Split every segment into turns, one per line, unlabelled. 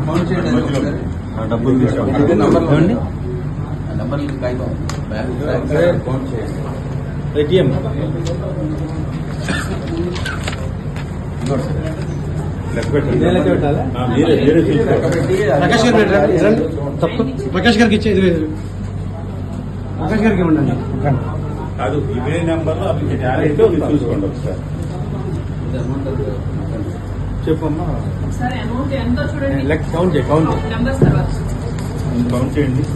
డబ్బులు ఏటీఎం
ప్రకాష్ గారికి ఇచ్చేది ప్రకాష్ గారికి ఇవ్వండి.
కాదు ఇవే నెంబర్ చూసుకోండి ఒకసారి చెప్పమ్మా. కౌంట్ చేయండి.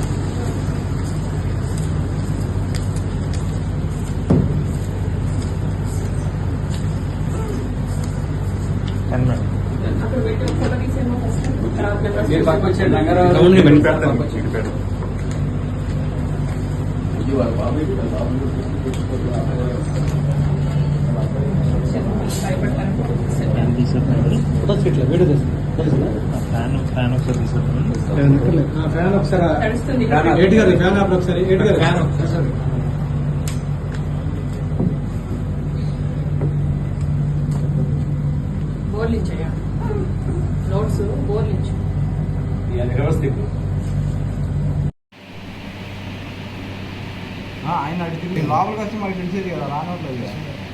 ఆయన అడిగింది లోపలికి వచ్చి మాకు తెలిసేది కదా, రానట్లేదు.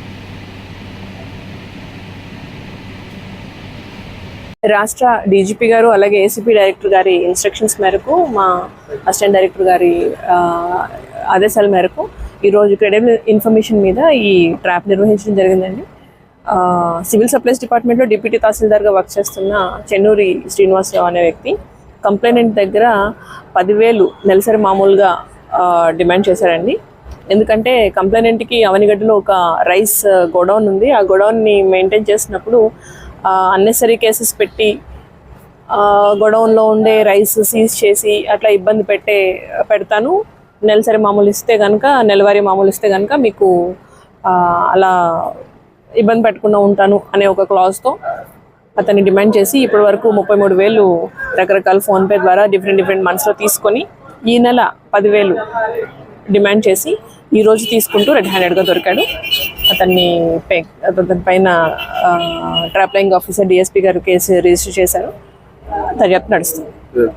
రాష్ట్ర డీజీపీ గారు అలాగే ఏసీపీ డైరెక్టర్ గారి ఇన్స్ట్రక్షన్స్ మేరకు, మా అసిస్టెంట్ డైరెక్టర్ గారి ఆదేశాల మేరకు ఈరోజు క్రెడిబుల్ ఇన్ఫర్మేషన్ మీద ఈ ట్రాప్ నిర్వహించడం జరిగిందండి. సివిల్ సప్లైస్ డిపార్ట్మెంట్లో డిప్యూటీ తహసీల్దార్గా వర్క్ చేస్తున్న చెన్నూరి శ్రీనివాసరావు అనే వ్యక్తి కంప్లైంట్ దగ్గర 10,000 నెలసరి మామూలుగా డిమాండ్ చేశారండి. ఎందుకంటే కంప్లైంట్కి అవనిగడ్డలో ఒక రైస్ గోడౌన్ ఉంది. ఆ గోడౌన్ని మెయింటైన్ చేసినప్పుడు అన్నెసరీ కేసెస్ పెట్టి గోడౌన్లో ఉండే రైస్ సీజ్ చేసి అట్లా ఇబ్బంది పెడతాను, నెలసరి మామూలు ఇస్తే కనుక, నెలవారీ మామూలు ఇస్తే కనుక మీకు అలా ఇబ్బంది పెట్టకుండా ఉంటాను అనే ఒక క్లాజ్తో అతన్ని డిమాండ్ చేసి ఇప్పటి వరకు 33,000 రకరకాల ఫోన్పే ద్వారా డిఫరెంట్ మంత్స్లో తీసుకొని ఈ నెల 10,000 డిమాండ్ చేసి ఈరోజు తీసుకుంటూ రెడ్ హ్యాండెడ్గా దొరికాడు. అతని పైన ట్రాప్లైంగ్ ఆఫీసర్ డిఎస్పీ గారు కేసు రిజిస్టర్ చేశారు. దర్యాప్తు నడుస్తుంది.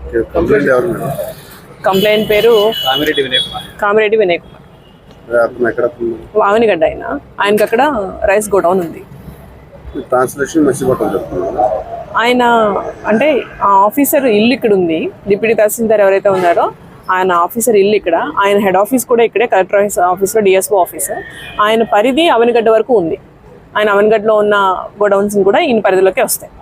కంప్లైంట్ పేరు కామిరెడ్డి వినయ్ కుమార్. వావనిగడ్డ. ఆయనకి అక్కడ రైస్ గోడౌన్ ఉంది. ఆయన అంటే ఆ ఆఫీసర్ ఇల్లు ఇక్కడ ఉంది. డిప్యూటీ తహసీల్దార్ ఎవరైతే ఉన్నారో ఆయన ఆఫీసర్ ఇల్లు ఇక్కడ, ఆయన హెడ్ ఆఫీస్ కూడా ఇక్కడే, కలెక్టర్ ఆఫీస్లో డిఎస్ఓ ఆఫీస్. ఆయన పరిధి అవనిగడ్డ వరకు ఉంది. ఆయన అవనిగడ్డలో ఉన్న గోడౌన్స్ కూడా ఈయన పరిధిలోకి వస్తాయి.